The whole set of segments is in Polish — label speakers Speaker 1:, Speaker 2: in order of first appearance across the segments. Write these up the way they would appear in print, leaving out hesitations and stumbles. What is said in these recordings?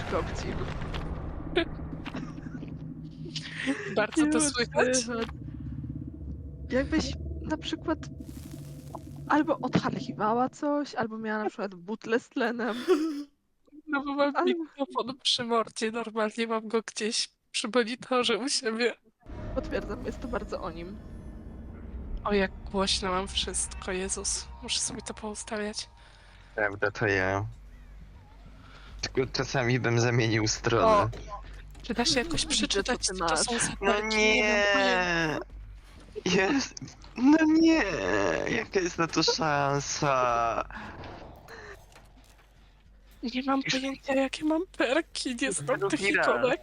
Speaker 1: kopci.
Speaker 2: Bardzo to słychać.
Speaker 1: Jakbyś na przykład albo odharchiwała coś, albo miała na przykład butlę z tlenem.
Speaker 2: No bo mam
Speaker 1: Ale-
Speaker 2: mikrofon przy mordzie, normalnie mam go gdzieś przy monitorze u siebie.
Speaker 1: Potwierdzam, jest to bardzo o nim.
Speaker 2: O, jak głośno mam wszystko, Jezus. Muszę sobie to poustawiać.
Speaker 3: Prawda, to ja. Tylko czasami bym zamienił stronę.
Speaker 2: O, czy da się jakoś
Speaker 1: Widzę,
Speaker 2: przeczytać,
Speaker 1: co ty
Speaker 2: co to
Speaker 1: masz.
Speaker 2: są za
Speaker 3: No
Speaker 2: perki?
Speaker 3: nie!
Speaker 2: mam pojęcia.
Speaker 3: Jest... No nie! Jaka jest na to szansa?
Speaker 2: Nie mam pojęcia, jakie mam perki, nie znam tych
Speaker 3: Drugi raz.
Speaker 2: ikonek.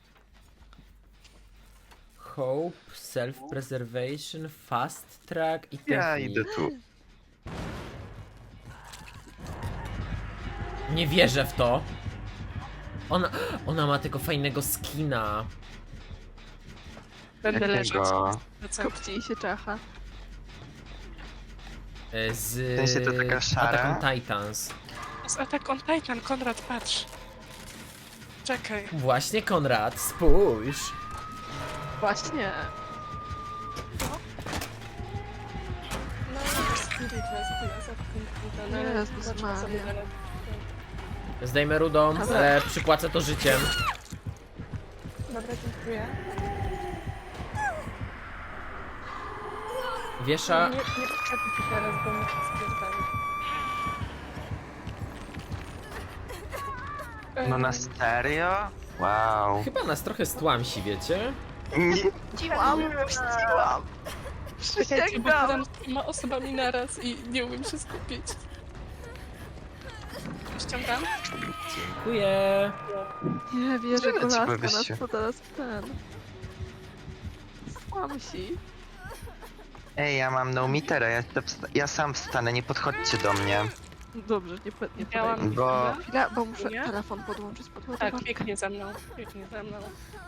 Speaker 4: Hope, self-preservation, fast track i
Speaker 3: Ja
Speaker 4: technique.
Speaker 3: idę tu.
Speaker 4: Nie wierzę w to. Ona ma tego fajnego skina.
Speaker 2: Będę leżeć.
Speaker 3: Jakiego?
Speaker 1: Kopci i się czacha.
Speaker 4: Z
Speaker 3: W sensie to taka szara?
Speaker 4: Attack on Titans.
Speaker 2: Z Attack on Titan, Konrad, patrz. Czekaj.
Speaker 4: Właśnie, Konrad, spójrz.
Speaker 1: Właśnie.
Speaker 2: No, Spirit West,
Speaker 1: Jezus Maria.
Speaker 4: Zdejmę rudą,
Speaker 1: Dobra.
Speaker 4: ale przypłacę to życiem.
Speaker 2: Dobra, dziękuję.
Speaker 4: Wiesza...
Speaker 2: Nie potrzebuję ci teraz, bo muszę spierdolić.
Speaker 3: No na serio? Wow.
Speaker 4: Chyba nas trochę stłamsi, wiecie?
Speaker 3: Nie,
Speaker 1: Puściłam!
Speaker 2: Czekajcie, bo
Speaker 1: Przysięgam!
Speaker 2: gadam z dwiema osobami naraz i nie umiem się skupić. Ściągam?
Speaker 4: Dziękuję.
Speaker 1: Nie wierzę,
Speaker 3: Tyle ci
Speaker 1: kolaska
Speaker 3: powiesz się.
Speaker 1: nas to teraz ten... Słamsi.
Speaker 3: Ej, ja mam no metera, ja sam wstanę, nie podchodźcie do mnie.
Speaker 1: Dobrze, nie
Speaker 2: Miałam-
Speaker 1: podaj.
Speaker 3: Bo...
Speaker 1: Chwila, bo muszę
Speaker 2: Nie?
Speaker 1: telefon podłączyć pod
Speaker 2: Tak,
Speaker 1: ładowarkę.
Speaker 2: biegnie za mną. Biegnie za mną.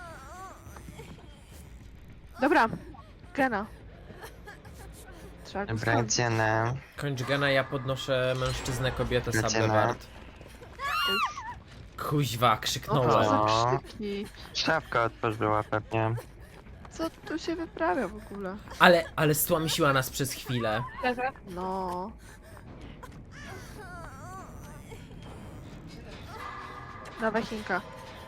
Speaker 1: Dobra, Gena. Trzeba go
Speaker 3: Dobra,
Speaker 1: skończyć.
Speaker 3: dzienę.
Speaker 4: Kończ gena, ja podnoszę mężczyznę, kobietę,
Speaker 3: Lecimy.
Speaker 4: sablewart. Kuźwa,
Speaker 1: O,
Speaker 4: krzyknąłem.
Speaker 1: co
Speaker 3: No.
Speaker 1: za krzyki.
Speaker 3: Szafka otworzyła pewnie.
Speaker 1: Co tu się wyprawia w ogóle?
Speaker 4: Ale stłamsiła nas przez chwilę.
Speaker 2: Leżę.
Speaker 1: No. Dawaj Chinka.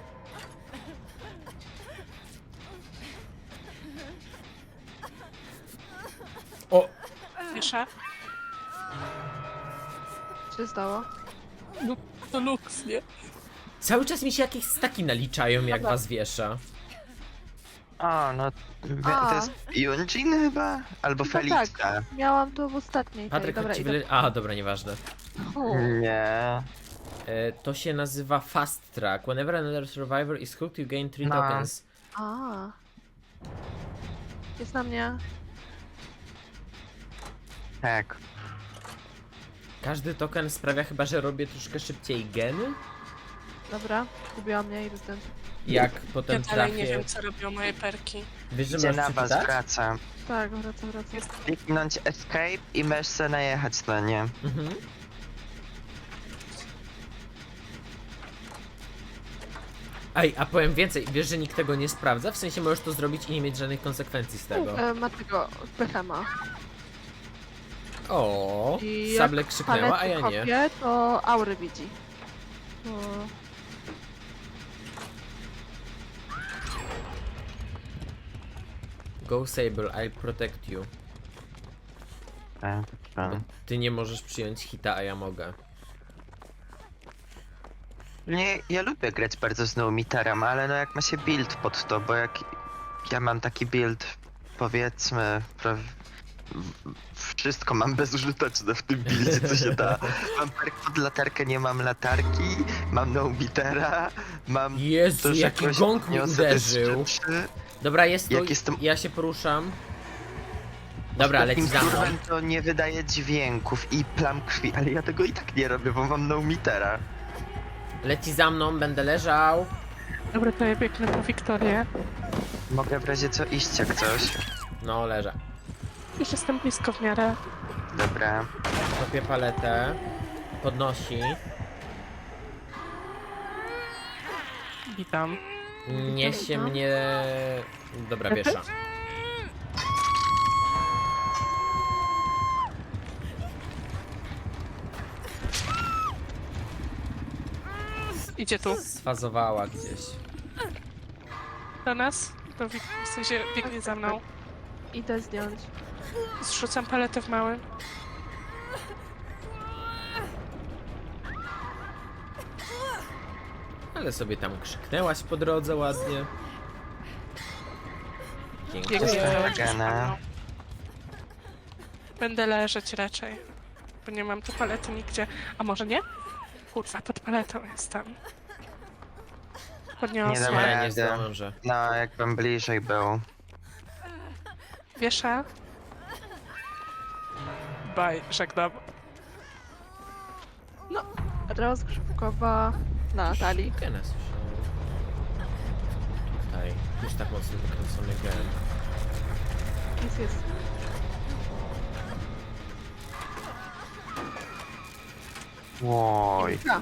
Speaker 4: O!
Speaker 2: Wiesza.
Speaker 1: Co się stało?
Speaker 2: No, to luks, nie?
Speaker 4: Cały czas mi się jakieś staki naliczają, jak
Speaker 2: Dobra.
Speaker 4: was wiesza.
Speaker 3: O, no...
Speaker 1: A.
Speaker 3: To jest Yunjin chyba? Albo
Speaker 1: Chyba
Speaker 3: Felicia.
Speaker 1: tak. Miałam to w ostatniej.
Speaker 4: Patryk,
Speaker 1: dobra,
Speaker 4: chodź ci
Speaker 1: idę.
Speaker 4: A, dobra, nieważne.
Speaker 1: U,
Speaker 3: Nie.
Speaker 4: To się nazywa fast track. Whenever another survivor is hooked, you gain 3
Speaker 3: No.
Speaker 4: tokens.
Speaker 1: A. Jest na mnie.
Speaker 3: Tak.
Speaker 4: Każdy token sprawia chyba, że robię troszkę szybciej geny.
Speaker 1: Dobra, gubiła mnie i dostęp.
Speaker 4: Jak
Speaker 2: Ja
Speaker 4: potem
Speaker 2: dalej nie
Speaker 4: trafię.
Speaker 2: wiem, co robią moje perki.
Speaker 4: Wiesz, że
Speaker 3: Gdzie
Speaker 4: możesz
Speaker 3: na was
Speaker 4: przeczytać?
Speaker 3: wraca.
Speaker 1: Tak, wracam.
Speaker 3: Kliknąć escape i możesz sobie najechać na nie.
Speaker 4: Mhm. Ej, a powiem więcej, wiesz, że nikt tego nie sprawdza? W sensie możesz to zrobić i nie mieć żadnych konsekwencji z tego.
Speaker 1: Ma tego Behema.
Speaker 4: O,
Speaker 1: I
Speaker 4: Sable
Speaker 1: jak
Speaker 4: krzyknęła, a ja nie.
Speaker 1: Kopie, to aury widzi. To...
Speaker 4: Go Sable, I'll protect you.
Speaker 3: Tak, tak.
Speaker 4: Bo ty nie możesz przyjąć hita, a ja mogę.
Speaker 3: Nie, ja lubię grać bardzo z no-meterem, ale no jak ma się build pod to, bo jak ja mam taki build, powiedzmy, wszystko mam bezużyteczne w tym buildzie, co się da. Mam perk pod latarkę, nie mam latarki, mam no-metera, mam
Speaker 4: Jezu,
Speaker 3: to, że
Speaker 4: jaki
Speaker 3: jakoś
Speaker 4: gong mi
Speaker 3: niosę
Speaker 4: uderzył.
Speaker 3: te rzeczy.
Speaker 4: Dobra, jest tu,
Speaker 3: Jak jestem-
Speaker 4: ja się poruszam. Dobra, leci
Speaker 3: Ostatnim
Speaker 4: za mną.
Speaker 3: kurwem to nie wydaje dźwięków i plam krwi, ale ja tego i tak nie robię, bo mam no-metera.
Speaker 4: Leci za mną, będę leżał.
Speaker 2: Dobra, to ja biegnę po Wiktorię.
Speaker 3: Mogę w razie co iść jak coś.
Speaker 4: No, leżę.
Speaker 2: Już jestem blisko w miarę.
Speaker 3: Dobra.
Speaker 4: Kopię paletę. Podnosi.
Speaker 2: Witam.
Speaker 4: Niesie mnie... Dobra, wiesza.
Speaker 2: Idzie tu.
Speaker 4: Sfazowała gdzieś.
Speaker 2: Do nas? W sensie biegnie za mną.
Speaker 1: Idę zdjąć.
Speaker 2: Zrzucam paletę w małym.
Speaker 4: Ale sobie tam krzyknęłaś po drodze ładnie.
Speaker 2: Biegnie
Speaker 3: Jest
Speaker 4: Dziękuję.
Speaker 2: za
Speaker 3: Gana.
Speaker 2: mną. Będę leżeć raczej. Bo nie mam tu palety nigdzie. A może nie? Kurwa, pod paletą jestem.
Speaker 3: Nie
Speaker 2: Podniosła.
Speaker 3: dam
Speaker 4: Nie, nie
Speaker 3: rady.
Speaker 4: zdążę.
Speaker 3: No, jakbym bliżej był.
Speaker 2: Wiesza. Bye, żegnam.
Speaker 1: Rozgrzewkowa na Natalii.
Speaker 4: Gena słyszałem. Tutaj. Już tak mocno wykręcony gen.
Speaker 1: Jest.
Speaker 3: Oj.
Speaker 1: Ja.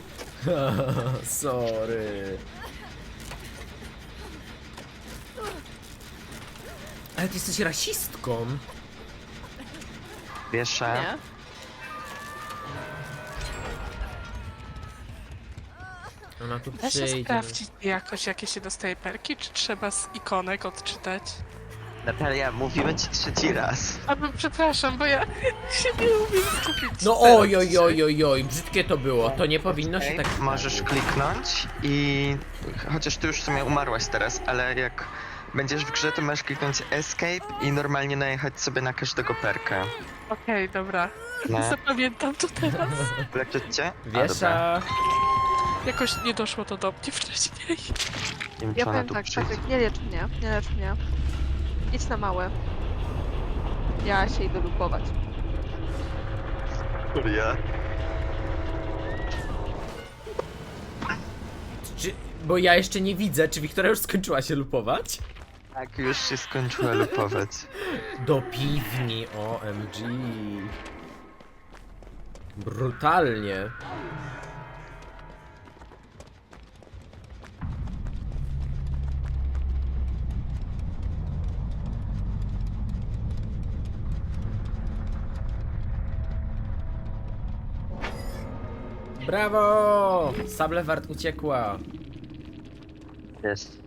Speaker 4: Sorry. Ale ty jesteś rasistką.
Speaker 3: Wieszę.
Speaker 1: Nie?
Speaker 4: Ona tu
Speaker 2: Da się
Speaker 4: przyjdzie.
Speaker 2: sprawdzić jakoś, jakie się dostaje perki, czy trzeba z ikonek odczytać?
Speaker 3: Natalia, mówimy ci trzeci raz.
Speaker 2: Przepraszam, bo ja się nie umiem skupić.
Speaker 4: No oj, oj, oj, oj, oj, brzydkie to było. To nie powinno się
Speaker 3: Okej,
Speaker 4: tak...
Speaker 3: możesz kliknąć i... Chociaż ty już w sumie umarłaś teraz, ale jak będziesz w grze, to możesz kliknąć escape i normalnie najechać sobie na każdego perka.
Speaker 2: Okej, dobra.
Speaker 3: No.
Speaker 2: Zapamiętam to teraz.
Speaker 3: Leczyć cię? A, dobra.
Speaker 4: Wiesza.
Speaker 2: Jakoś nie doszło to do mnie wcześniej.
Speaker 3: Nie wiem, czy
Speaker 1: Ja
Speaker 3: ona
Speaker 1: powiem
Speaker 3: tu
Speaker 1: tak,
Speaker 3: przyjdzie.
Speaker 1: Patryk, nie lecz mnie, nie lecz mnie. Idź na małe. Ja się idę lupować.
Speaker 3: Ja.
Speaker 4: Czy... Bo ja jeszcze nie widzę, czy Wiktoria już skończyła się lupować?
Speaker 3: Tak, już się skończyła lupować.
Speaker 4: Do piwni, OMG. Brutalnie. Brawo! Sablewart uciekła.
Speaker 3: Jest.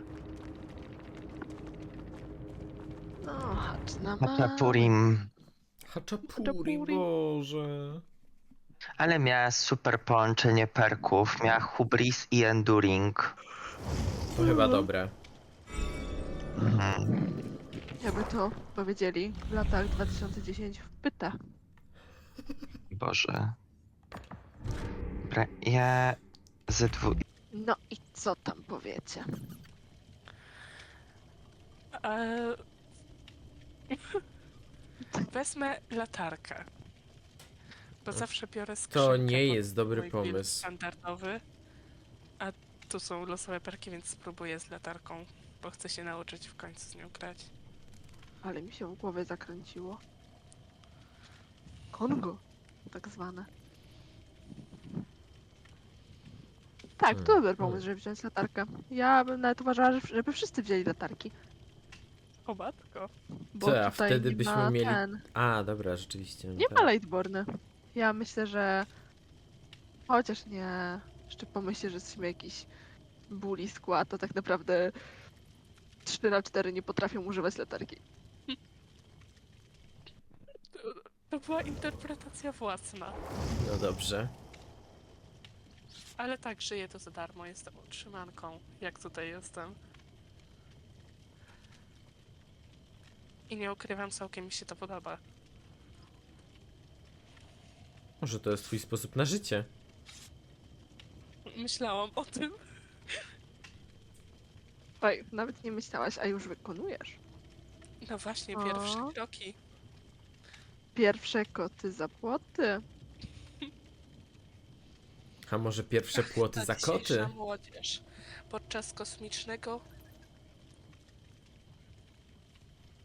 Speaker 1: No, chodź na
Speaker 3: Hachapurim.
Speaker 4: Haczapuri,
Speaker 1: Haczapuri.
Speaker 4: Boże.
Speaker 3: Ale miała super połączenie perków. Miała hubris i enduring.
Speaker 4: To chyba dobre.
Speaker 3: Mhm.
Speaker 1: Jakby to powiedzieli w latach 2010 w pyta.
Speaker 3: Boże. Dobra, ja ze dwu...
Speaker 1: No i co tam powiecie?
Speaker 2: Eee... Wezmę latarkę. Bo zawsze biorę skrzynkę.
Speaker 4: To nie
Speaker 2: pod
Speaker 4: jest dobry
Speaker 2: mój build
Speaker 4: pomysł.
Speaker 2: standardowy. A tu są losowe perki, więc spróbuję z latarką. Bo chcę się nauczyć w końcu z nią grać.
Speaker 1: Ale mi się w głowie zakręciło. Kongo, tak zwane. Tak, to dobry pomysł, żeby wziąć latarkę. Ja bym nawet uważała, żeby wszyscy wzięli latarki.
Speaker 2: O matko.
Speaker 1: Bo
Speaker 4: Co, a
Speaker 1: tutaj
Speaker 4: wtedy
Speaker 1: nie
Speaker 4: byśmy
Speaker 1: ma
Speaker 4: mieli-
Speaker 1: ten...
Speaker 4: A, dobra, rzeczywiście.
Speaker 1: Nie
Speaker 4: tak.
Speaker 1: ma Lightborny. Ja myślę, że... Chociaż nie... Jeszcze pomyślę, że jesteśmy jakiś bully skład, to tak naprawdę 3/4 nie potrafią używać latarki.
Speaker 2: To była interpretacja własna.
Speaker 4: No dobrze.
Speaker 2: Ale tak, żyję to za darmo. Jestem utrzymanką, jak tutaj jestem. I nie ukrywam, całkiem mi się to podoba.
Speaker 4: Może to jest twój sposób na życie.
Speaker 2: Myślałam o tym.
Speaker 1: Oj, nawet nie myślałaś, a już wykonujesz.
Speaker 2: No właśnie,
Speaker 1: O.
Speaker 2: pierwsze kroki.
Speaker 1: Pierwsze koty za płoty.
Speaker 4: A może pierwsze płoty za koty?
Speaker 2: Dzisiejsza młodzież podczas kosmicznego...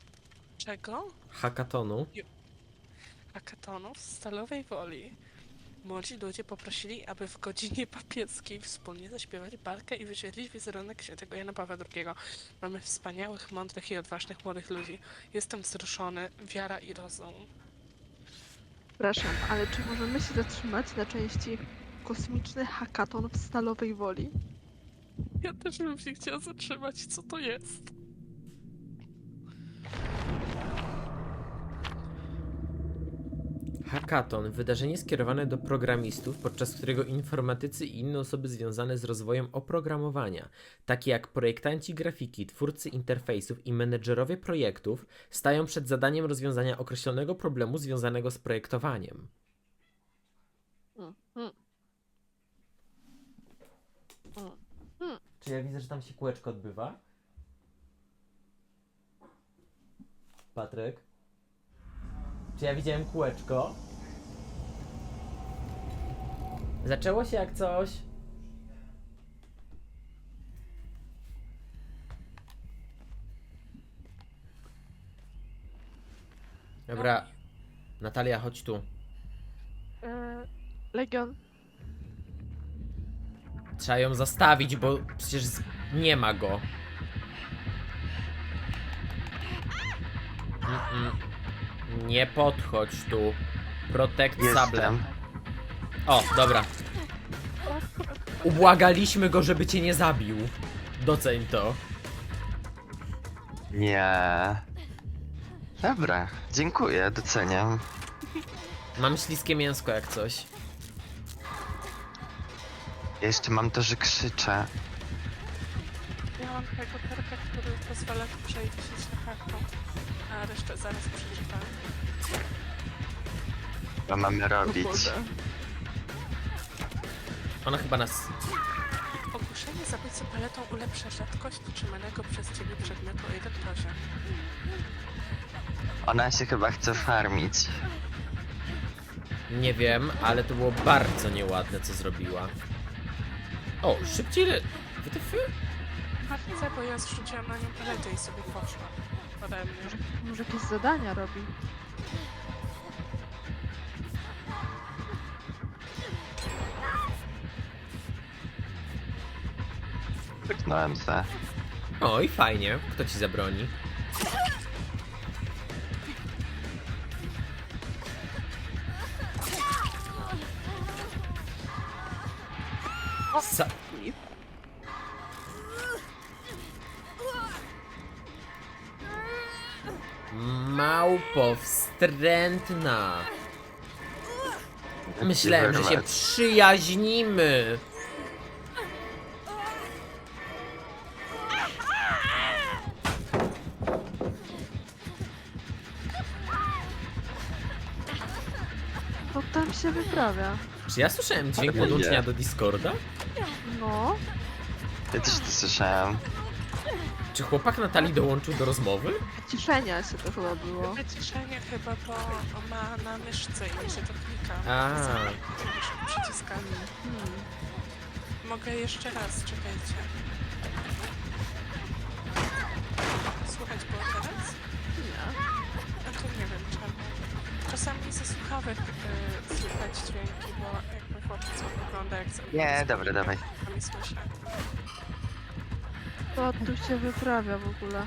Speaker 2: Czego?
Speaker 4: Hakatonu?
Speaker 2: Hackathonu w Stalowej Woli Młodzi ludzie poprosili, aby w godzinie papieskiej wspólnie zaśpiewać barkę i wyświetlić wizerunek świętego Jana Pawła II. Mamy wspaniałych, mądrych i odważnych młodych ludzi. Jestem wzruszony, wiara i rozum.
Speaker 1: Przepraszam, ale czy możemy się zatrzymać na części kosmiczny hakaton w Stalowej Woli?
Speaker 2: Ja też bym się chciała zatrzymać, co to jest.
Speaker 4: Hackathon, wydarzenie skierowane do programistów, podczas którego informatycy i inne osoby związane z rozwojem oprogramowania, takie jak projektanci grafiki, twórcy interfejsów i menedżerowie projektów, stają przed zadaniem rozwiązania określonego problemu związanego z projektowaniem. Czy ja widzę, że tam się kółeczko odbywa? Patryk? Czy ja widziałem kółeczko? Zaczęło się jak coś. Dobra. Natalia, chodź tu.
Speaker 1: Legion,
Speaker 4: Trzeba ją zastawić, bo przecież nie ma go. Nie podchodź tu. Protect sable.
Speaker 3: Jestem.
Speaker 4: O, dobra. Ubłagaliśmy go, żeby cię nie zabił. Doceń to.
Speaker 3: Nie. Dobra, dziękuję, doceniam.
Speaker 4: Mam śliskie mięsko jak coś.
Speaker 3: Jeszcze mam to, że krzyczę.
Speaker 2: Ja mam takiego perka, który pozwala przejść na kartą, a resztę zaraz przeczytam.
Speaker 3: Co mamy
Speaker 1: o
Speaker 3: robić?
Speaker 1: Boże.
Speaker 4: Ona chyba nas...
Speaker 2: Ogłuszenie zabójcy paletą ulepsza rzadkość trzymanego przez ciebie przedmiotu o 1 poziom.
Speaker 3: Ona się chyba chce farmić.
Speaker 4: Nie wiem, ale to było bardzo nieładne, co zrobiła. O, szybciej... WTF?
Speaker 2: Martwę, bo ja zrzuciłam na nią paletę i sobie poszła. Ode mnie.
Speaker 1: Może jakieś zadania robi?
Speaker 3: Wyknąłem se.
Speaker 4: O, i fajnie. Kto ci zabroni? Sa Małpo wstrętna. Myślałem, że się przyjaźnimy.
Speaker 1: Co tam się wyprawia?
Speaker 4: Czy ja słyszałem dźwięk
Speaker 3: Nie.
Speaker 4: podłączenia do Discorda?
Speaker 1: No,
Speaker 3: Ja też to słyszałem.
Speaker 4: Czy chłopak Natalii dołączył do rozmowy?
Speaker 1: wyciszenia się to chyba było.
Speaker 2: Wyciszenie chyba, bo ma na myszce i mi się to klika.
Speaker 4: A.
Speaker 2: Przyciskami. Mogę jeszcze raz, czekajcie. Słuchać było teraz?
Speaker 1: Nie.
Speaker 2: A to nie wiem czemu. Czasami ze słuchawek słychać dźwięki, bo jakby chłopiec wygląda jak sobie...
Speaker 3: Nie, dobra, dawaj.
Speaker 2: Czasami słyszę.
Speaker 1: Co tu się wyprawia w ogóle?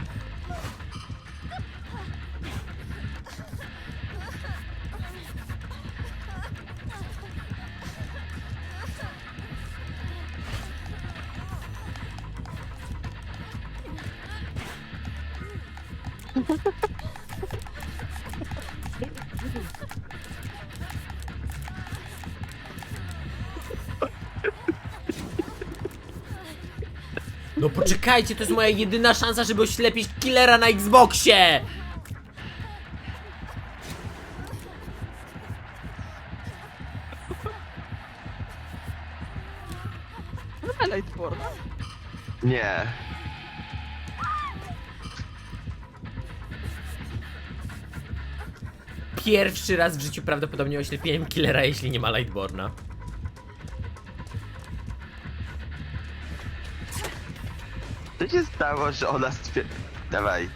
Speaker 4: No poczekajcie, to jest moja jedyna szansa, żeby oślepić killera na Xboxie!
Speaker 1: No Lightborn.
Speaker 3: Nie.
Speaker 4: Pierwszy raz w życiu prawdopodobnie oślepiłem killera, jeśli nie ma Lightborna.
Speaker 3: Co się stało, że ona stwierdza... Dawaj.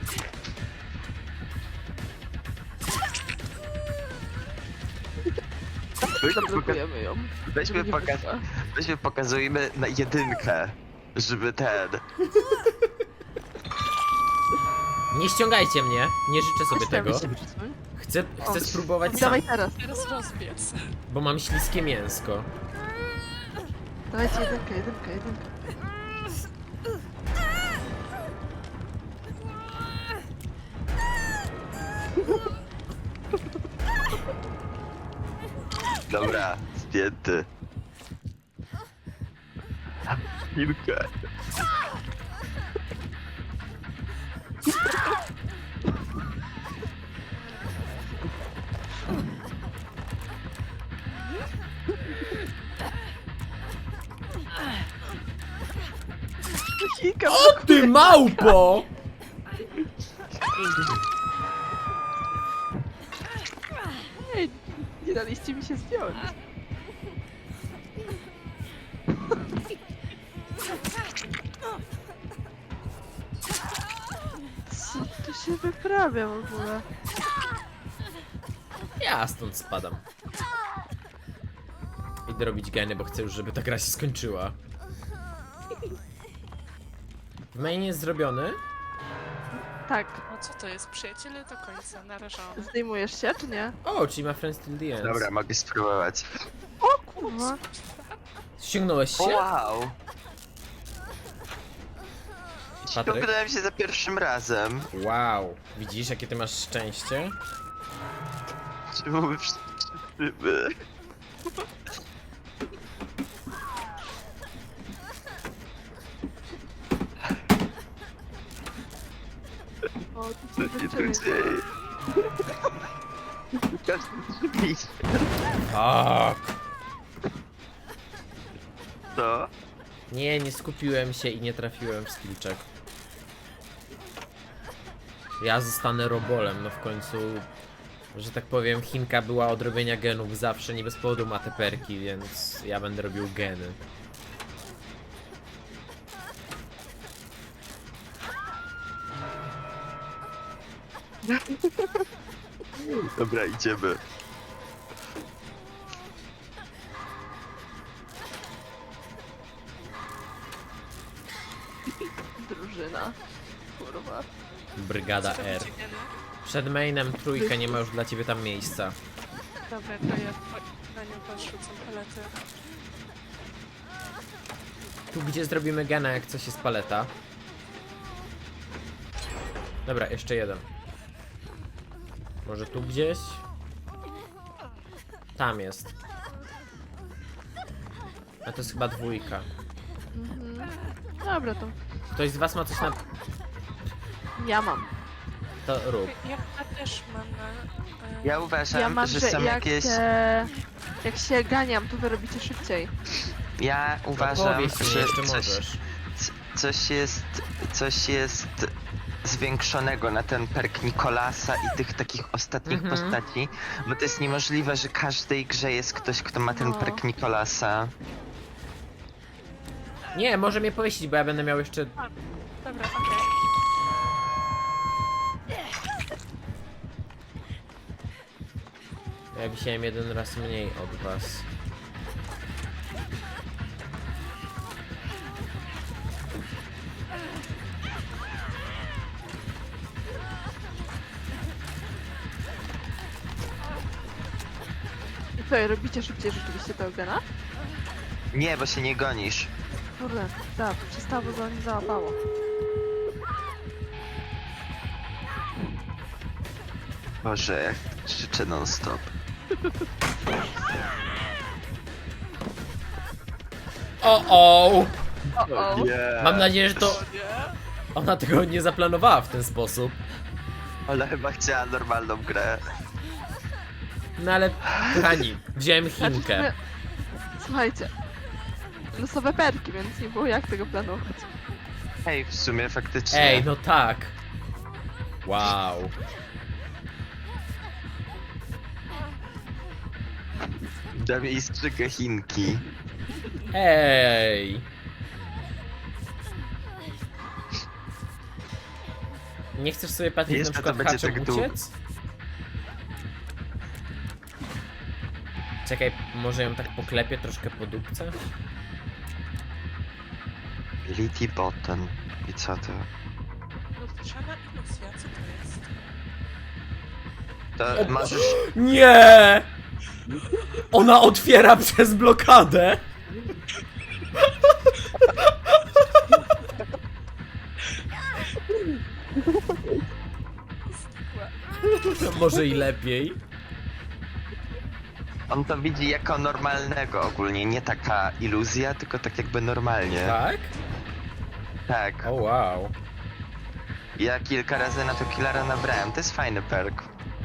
Speaker 1: Zablokujemy ją.
Speaker 3: Weźmy,
Speaker 1: żeby nie wyszła.
Speaker 3: weźmy pokazujmy na 1, żeby ten...
Speaker 4: Nie ściągajcie mnie, nie życzę sobie
Speaker 1: Chodź tam,
Speaker 4: tego.
Speaker 1: się przesuń.
Speaker 4: Chcę spróbować sam,
Speaker 1: Dawaj teraz.
Speaker 2: Teraz rozbiec.
Speaker 4: bo mam śliskie mięsko.
Speaker 1: Dawajcie jedynkę.
Speaker 3: Dobra, zdjęty. Chwilkę.
Speaker 1: Kilka
Speaker 4: O ty małpo!
Speaker 1: Ej, nie daliście mi się zdjąć. Co tu się wyprawia w ogóle?
Speaker 4: Ja stąd spadam. Idę robić geny, bo chcę już, żeby ta gra się skończyła. W mainie jest zrobiony.
Speaker 1: Tak,
Speaker 2: No co to jest? Przyjaciele do końca, narażony.
Speaker 1: zdejmujesz się, czy nie?
Speaker 4: O, czyli ma friends till the end.
Speaker 3: Dobra, mogę spróbować.
Speaker 1: O kurwa.
Speaker 4: Ściągnąłeś się?
Speaker 3: Wow!
Speaker 4: Patryk?
Speaker 3: Ściągnąłem się za pierwszym razem.
Speaker 4: Wow. Widzisz, jakie ty masz szczęście?
Speaker 3: Czemu my wszyscy...
Speaker 1: O, tu
Speaker 3: Co
Speaker 1: się
Speaker 3: się tu
Speaker 1: wyczyny.
Speaker 3: dzieje? Każdy drzwi.
Speaker 4: Tak.
Speaker 3: Co?
Speaker 4: Nie skupiłem się i nie trafiłem w skill check. Ja zostanę robolem, no w końcu, że tak powiem, Chinka była od robienia genów zawsze, nie bez powodu ma te perki, więc ja będę robił geny.
Speaker 3: Dobra, idziemy.
Speaker 1: Drużyna. Kurwa.
Speaker 4: Brygada
Speaker 2: Co
Speaker 4: R.
Speaker 2: robicie, geny?
Speaker 4: Przed mainem trójkę, nie ma już dla ciebie tam miejsca.
Speaker 2: Dobra, to ja na nią podrzucam palety.
Speaker 4: Tu gdzie zrobimy gena, jak coś jest paleta. Dobra, jeszcze jeden. Może tu gdzieś? Tam jest. A to jest chyba dwójka.
Speaker 1: Mhm. Dobra, to
Speaker 4: Ktoś z was ma coś na...
Speaker 1: ja mam.
Speaker 4: To rób.
Speaker 2: Ja też mam na...
Speaker 3: Ja uważam,
Speaker 1: Ja mam,
Speaker 3: że
Speaker 1: że
Speaker 3: są jakieś...
Speaker 1: jak się ganiam, to wy robicie szybciej.
Speaker 3: Ja uważam,
Speaker 4: Powiedz mi,
Speaker 3: że
Speaker 4: jeszcze możesz.
Speaker 3: coś jest zwiększonego na ten perk Nikolasa i tych takich ostatnich
Speaker 4: Mhm.
Speaker 3: postaci, bo to jest niemożliwe, że w każdej grze jest ktoś, kto ma ten
Speaker 1: No.
Speaker 3: perk Nikolasa.
Speaker 4: Nie, może mnie powiesić, bo ja będę miał jeszcze...
Speaker 2: Dobra, okej.
Speaker 4: Ja wisiałem jeden raz mniej od was.
Speaker 1: I co, robicie szybciej rzeczywiście tego gena?
Speaker 3: Nie, bo się nie gonisz.
Speaker 1: Kurde, tak, przestało, go nie załapało.
Speaker 3: Boże, jak krzyczę non stop.
Speaker 4: O!
Speaker 1: O,
Speaker 3: Nie.
Speaker 4: Mam nadzieję, że to... Ona tego nie zaplanowała w ten sposób.
Speaker 3: Ale chyba chciała normalną grę.
Speaker 4: No ale, kochani, wziąłem
Speaker 1: Znaczy,
Speaker 4: Chinkę.
Speaker 1: słuchajcie, losowe perki, więc nie było jak tego planować.
Speaker 3: Hej, w sumie faktycznie.
Speaker 4: Ej, no tak. Wow.
Speaker 3: Dam jej strzygę Chinki.
Speaker 4: Ej. Nie chcesz sobie patrzeć na
Speaker 3: Jeszcze to
Speaker 4: przykład
Speaker 3: będzie
Speaker 4: haczem
Speaker 3: tak długo.
Speaker 4: uciec? Czekaj, Może ją tak poklepię troszkę po dupce?
Speaker 3: Lity Button. I co to?
Speaker 2: Lustrzana iluzja, co to jest?
Speaker 3: To możesz...
Speaker 4: Nie! Ona otwiera przez blokadę! Może i lepiej.
Speaker 3: On to widzi jako normalnego ogólnie, nie taka iluzja, tylko tak jakby normalnie.
Speaker 4: Tak?
Speaker 3: Tak.
Speaker 4: O wow.
Speaker 3: Ja kilka razy na to killera nabrałem, to jest fajny perk.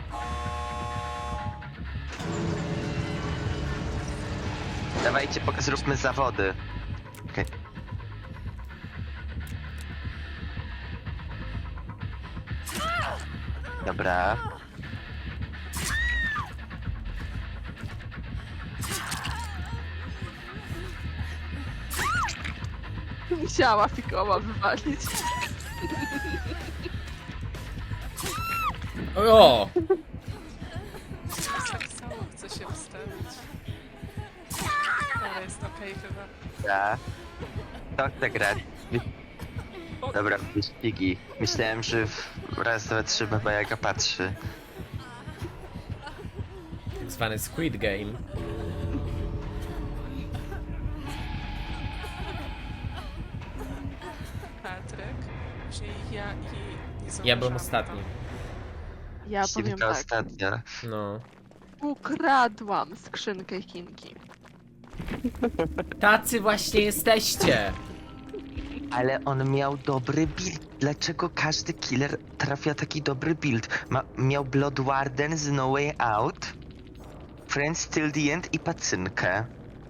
Speaker 3: Dawajcie, zróbmy zawody. Okej. Dobra.
Speaker 1: Musiała fikoła wywalić.
Speaker 4: O!
Speaker 2: Tak samo chcę się wstawić. Ale jest okej chyba.
Speaker 3: Dobra. To chce grać. Dobra, wyścigi. Myślałem, że w raz, dwa, trzy Baba Jaga patrzy.
Speaker 4: Tak zwany Squid Game.
Speaker 2: Patryk, czyli ja i nie
Speaker 4: Ja byłem
Speaker 2: zauważyłam
Speaker 4: ostatni.
Speaker 1: Ja powiem
Speaker 3: Siwka
Speaker 1: tak.
Speaker 3: ostatnia.
Speaker 4: No.
Speaker 1: Ukradłam skrzynkę Chinki.
Speaker 4: Tacy właśnie jesteście!
Speaker 3: Ale on miał dobry build. Dlaczego każdy killer trafia taki dobry build? Miał Blood Warden z No Way Out, Friends Till the End i pacynkę.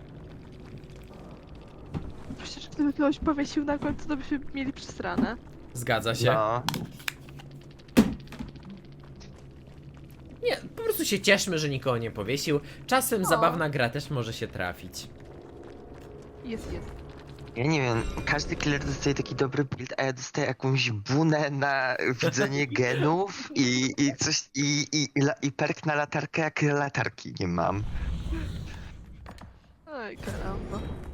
Speaker 1: Przecież gdyby kogoś powiesił na końcu, to byśmy mieli przesrane.
Speaker 4: Zgadza się.
Speaker 3: No.
Speaker 4: Nie, po prostu się cieszmy, że nikogo nie powiesił. Czasem
Speaker 1: No.
Speaker 4: zabawna gra też może się trafić.
Speaker 1: Jest.
Speaker 3: Ja nie wiem, każdy killer dostaje taki dobry build, a ja dostaję jakąś bunę na widzenie genów i coś, i perk na latarkę, jak latarki nie mam.
Speaker 1: Oj, karamba.